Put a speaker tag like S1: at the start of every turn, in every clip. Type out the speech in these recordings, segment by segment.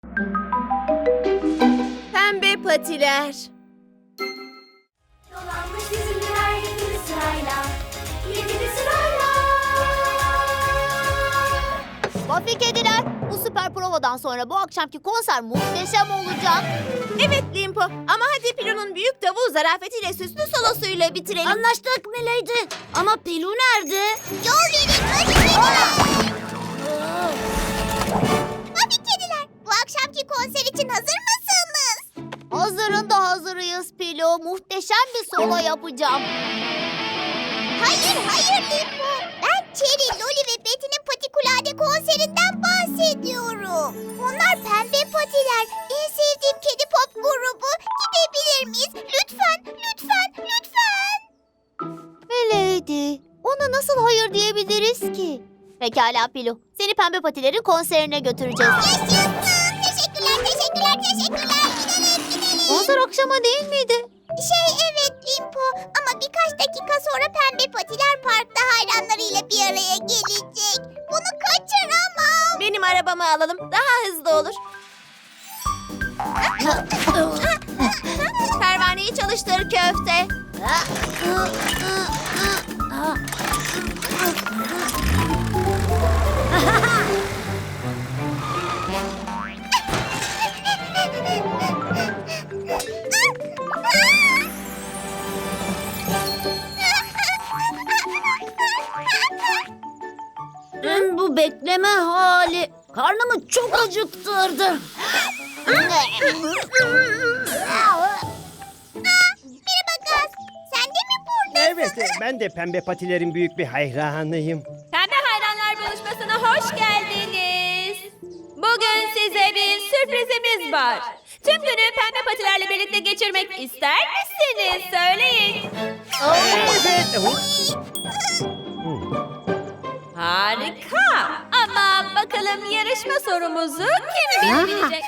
S1: Pembe patiler.
S2: Dolanmış bizimkiler yedili sırayla. Yedili sırayla.
S3: Buffy kediler, bu süper provadan sonra bu akşamki konser muhteşem olacak.
S1: Evet Limpo ama hadi Pilu'nun büyük davul zarafetiyle süslü solosuyla bitirelim.
S3: Anlaştık Milady. Ama Pilu nerede?
S2: Yol verin Buffy kediler. Buffy kediler, bu akşamki konser için hazır mısınız?
S3: Hazırın da hazırıyız Pilu. Muhteşem bir solo yapacağım.
S2: Hayır Limpo. Ben Cherry, Loli ve Betty'nin Patikulade konserinden bahsediyorum. Onlar pembe patiler. En sevdiğim kedi pop grubu. Gidebilir miyiz? Lütfen.
S3: Milady, ona nasıl hayır diyebiliriz ki? Pekala Pilu, seni Pembe Patilerin konserine götüreceğiz.
S2: Yaşasın. Teşekkürler. Gidelim.
S3: Konser akşama değil miydi?
S2: Evet Limpo ama birkaç dakika sonra Pembe Patiler Park'ta hayranlarıyla bir araya gelecek. Bunu kaçıramam.
S1: Benim arabamı alalım. Daha hızlı olur. Pervaneyi çalıştır köfte.
S3: Tüm bu bekleme hali karnımı çok acıktırdı.
S2: Merhaba Gaz. Sen de mi buradasın?
S4: Evet, ben de Pembe Patilerin büyük bir hayranıyım.
S1: Pembe Hayranlar Buluşması'na hoş geldiniz. Bugün size bir sürprizimiz var. Tüm günü Pembe Patilerle birlikte geçirmek ister misiniz? Söyleyin.
S4: Evet.
S1: Harika. Ama bakalım yarışma sorumuzu kim bilebilecek?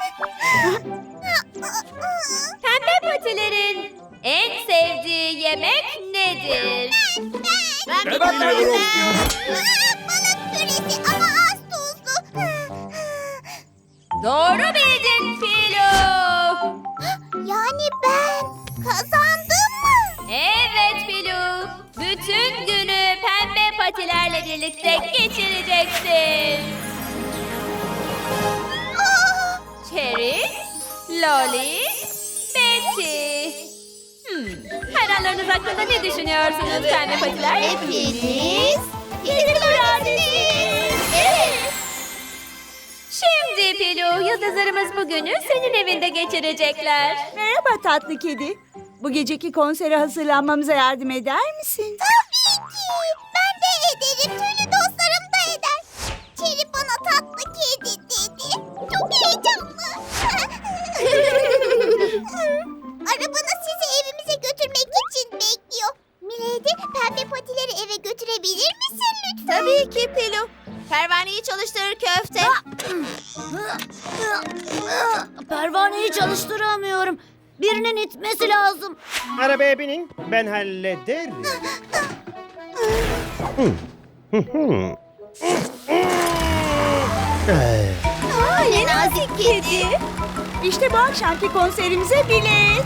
S1: Pembe Patilerin en sevdiği yemek nedir?
S3: Ben
S4: biliyorum.
S2: Balık püresi ama az tuzlu.
S1: Doğru bildin Filo.
S2: Yani ben kazandım mı?
S1: Evet Filo. Bütün günü Pembe Patilerle birlikte geçireceksin.
S2: Aa,
S1: Cherry, Loli, Betty. Hayranlarınız hakkında ne düşünüyorsunuz Pembe Patiler?
S3: Hepiniz
S1: Evet. Şimdi Pilu, yıldızlarımız bugünü senin evinde geçirecekler.
S5: Merhaba tatlı kedi. Bu geceki konsere hazırlanmamıza yardım eder misin?
S2: tabii ki. Ben de ederim. Tüylü dostlarım da eder. Cherry bana tatlı kedi dedi. Çok heyecanlı. Arabanız sizi evimize götürmek için bekliyor. Milady, Pembe Patileri eve götürebilir misin lütfen?
S1: Tabii ki Pilu. Pervaneyi çalıştır köfte.
S3: Pervaneyi çalıştıramıyorum. Birinin itmesi lazım.
S4: Arabaya binin, ben hallederim.
S3: Ne nazik kedi.
S5: İşte bu akşamki konserimize bilet.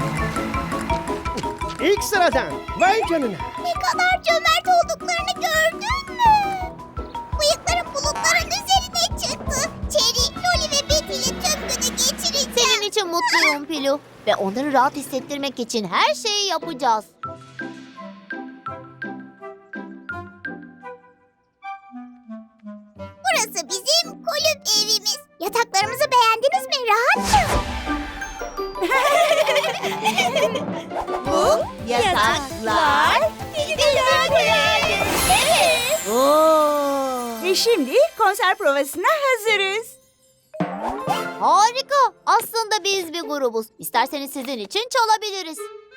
S4: İlk sıradan, vay canına.
S2: Ne kadar cömert olduklarını gördün mü? Bıyıklarım bulutların üzerine çıktı. Cherry, Loli ve Betty ile tüm günü geçireceğim.
S3: Senin için mutluyum Pilu. Ve onları rahat hissettirmek için her şeyi yapacağız.
S2: Burası bizim kulüp evimiz. Yataklarımızı beğendiniz mi? Rahat mı?
S3: Bu yataklar Evet. Oo.
S5: Ve şimdi konser provasına hazırız.
S3: Harika. Aslında biz bir grubuz. İsterseniz sizin için çalabiliriz.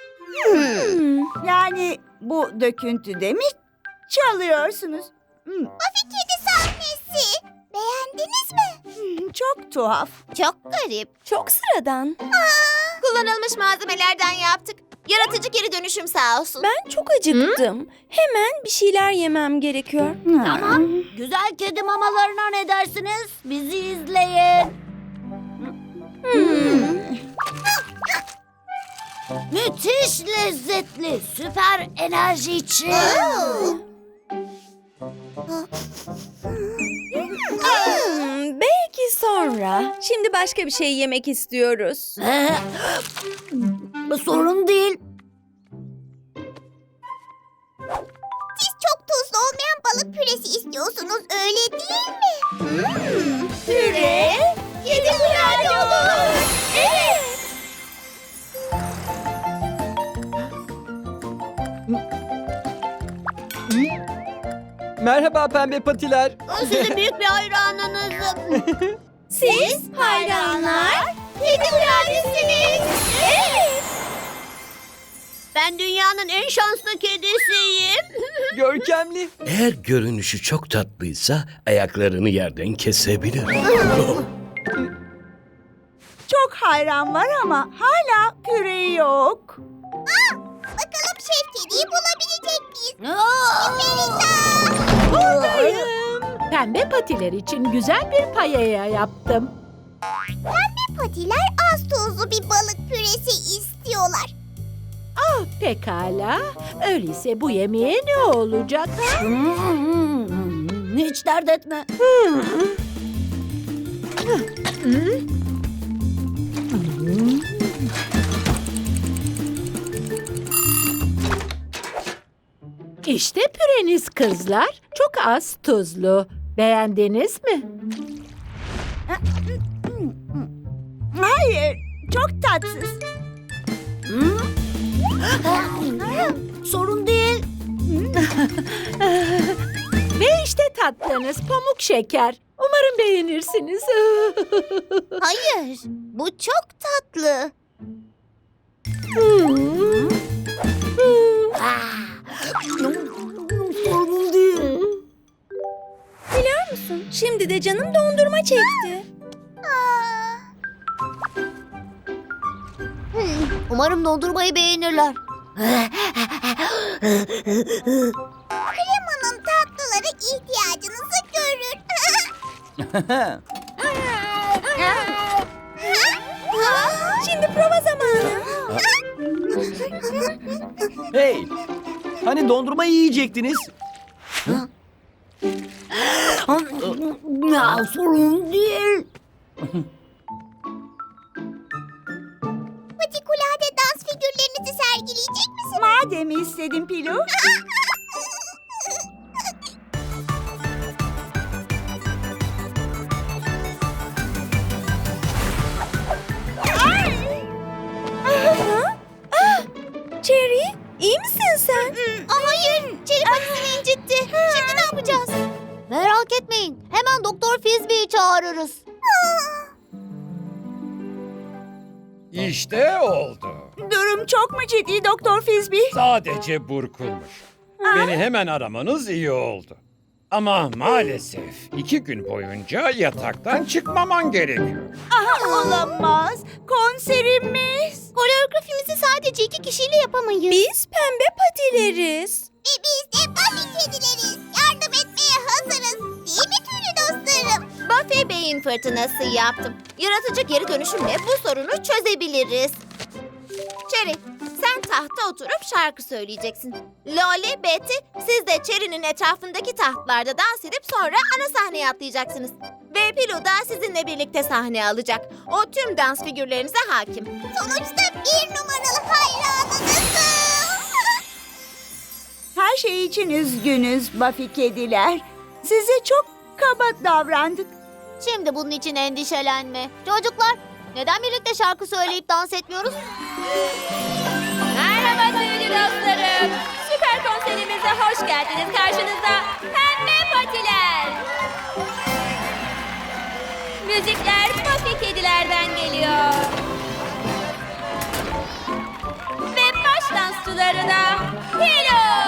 S5: Yani bu döküntüde mi çalıyorsunuz?
S2: Buffy kedi sahnesi. Beğendiniz mi?
S5: Çok tuhaf.
S3: Çok garip.
S1: Çok sıradan. Kullanılmış malzemelerden yaptık. Yaratıcı geri dönüşüm sağ olsun.
S6: Ben çok acıktım. Hemen bir şeyler yemem gerekiyor.
S3: Tamam. Güzel kedi mamalarına ne dersiniz? Bizi izleyin. Müthiş lezzetli. Süper enerji için.
S6: Belki sonra. Şimdi başka bir şey yemek istiyoruz.
S3: Sorun değil.
S2: Siz çok tuzlu olmayan balık püresi istiyorsunuz, öyle değil mi?
S3: Püre, kedi kurabiye olur. Evet.
S7: Merhaba pembe patiler.
S3: Sizin büyük bir hayranınızım.
S6: Siz hayranlar.
S3: Kedi kurabiyesiniz. Evet. Ben dünyanın en şanslı kedisiyim.
S7: Görkemli.
S8: Eğer görünüşü çok tatlıysa ayaklarını yerden kesebilir.
S5: Çok hayran var ama hala püre yok.
S2: Bakalım Şef Kedi'yi bulabilecek miyiz?
S9: Pembe patiler için güzel bir payaya yaptım.
S2: Pembe patiler az tuzlu bir balık püresi istiyorlar.
S9: Pekala. Öyleyse bu yemeğe ne olacak?
S3: Hiç dert etme.
S9: İşte püreniz kızlar. Çok az tuzlu. Beğendiniz mi?
S5: Hayır, çok tatsız.
S3: Sorun değil.
S9: Ve işte tatlınız pamuk şeker. Umarım beğenirsiniz.
S3: Hayır, bu çok tatlı. Sorun değil.
S6: Biliyor musun? Şimdi de canım dondurma çekti.
S3: Umarım dondurmayı beğenirler.
S2: Kremanın tatlıları ihtiyacınızı görür.
S6: Şimdi prova zamanı.
S7: Hey. Hani dondurma yiyecektiniz?
S3: Ya sorun değil.
S2: Patikulade dans figürlerinizi sergileyecek misiniz?
S5: Madem istedin Pilu.
S6: Cherry, iyi misin sen?
S3: Hayır, Çeri patisini incitti. Şimdi ne yapacağız? Merak etmeyin. Hemen Doktor Fizbi'yi çağırırız.
S10: İşte oldu.
S5: Durum çok mu ciddi Doktor Fizbi?
S10: Sadece burkulmuş. Beni hemen aramanız iyi oldu. Ama maalesef 2 gün boyunca yataktan çıkmaman gerekiyor.
S5: Olamaz. Konserimiz.
S3: Koreografimizi sadece 2 kişiyle yapamayız.
S6: Biz pembe patileriz.
S2: Ve biz de Buffy kedileriz. Yardım etmeye hazırız. Değil mi tüylü dostlarım?
S3: Buffy beyin fırtınası yaptım. Yaratıcı geri dönüşümle bu sorunu çözebiliriz. Cherry, sen tahta oturup şarkı söyleyeceksin. Loli, Betty, siz de Cherry'nin etrafındaki tahtlarda dans edip sonra ana sahneye atlayacaksınız. Ve Pilu da sizinle birlikte sahne alacak. O tüm dans figürlerinize hakim.
S2: Sonuçta 1 numaralı hayranınızım.
S5: Her şey için üzgünüz Buffy kediler. Size çok kaba davrandık.
S3: Şimdi bunun için endişelenme. Çocuklar, neden birlikte şarkı söyleyip dans etmiyoruz?
S1: Merhaba tüylü dostlarım. Süper konserimize hoş geldiniz. Karşınızda Pembe Patiler. Müzikler Buffy kedilerden geliyor. Ve baş dansçıları da Hilo.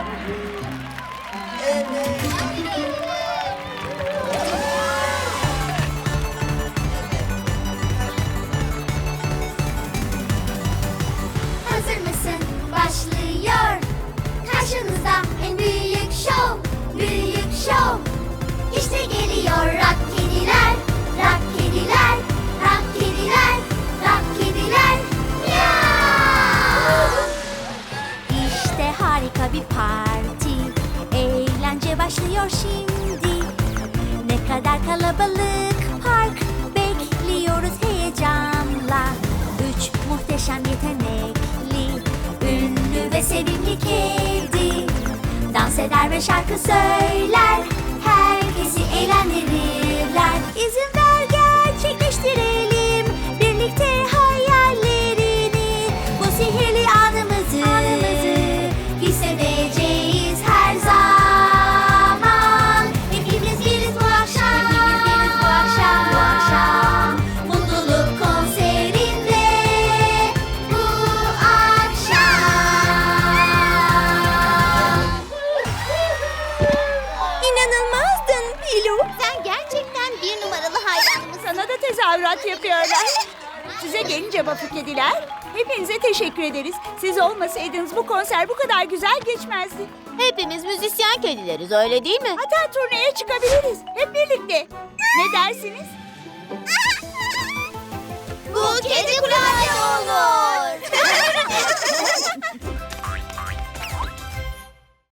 S2: Hazır mısın? Başlıyor. Karşınızda en büyük şov. Büyük şov. İşte geliyor rock kediler. Rock kediler. eder ve şarkı söyler. Herkesi eğlendirirler. İzin ver gerçekleştirelim birlikte hayallerini. Bu sihirli anımızı hissedeceğiz her zaman. Hepimiz biriz bu akşam. Bu akşam. Mutluluk konserinde bu akşam.
S6: İnanılmazdın Pilu.
S2: Sen gerçekten bir numaralı hayranımız.
S5: Sana da tezahürat yapıyorlar. Size gelince Buffy kediler, hepinize teşekkür ederiz. Siz olmasaydınız bu konser bu kadar güzel geçmezdi.
S2: Hepimiz müzisyen kedileriz öyle değil mi?
S5: Hatta turneye çıkabiliriz. Hep birlikte. Ne dersiniz?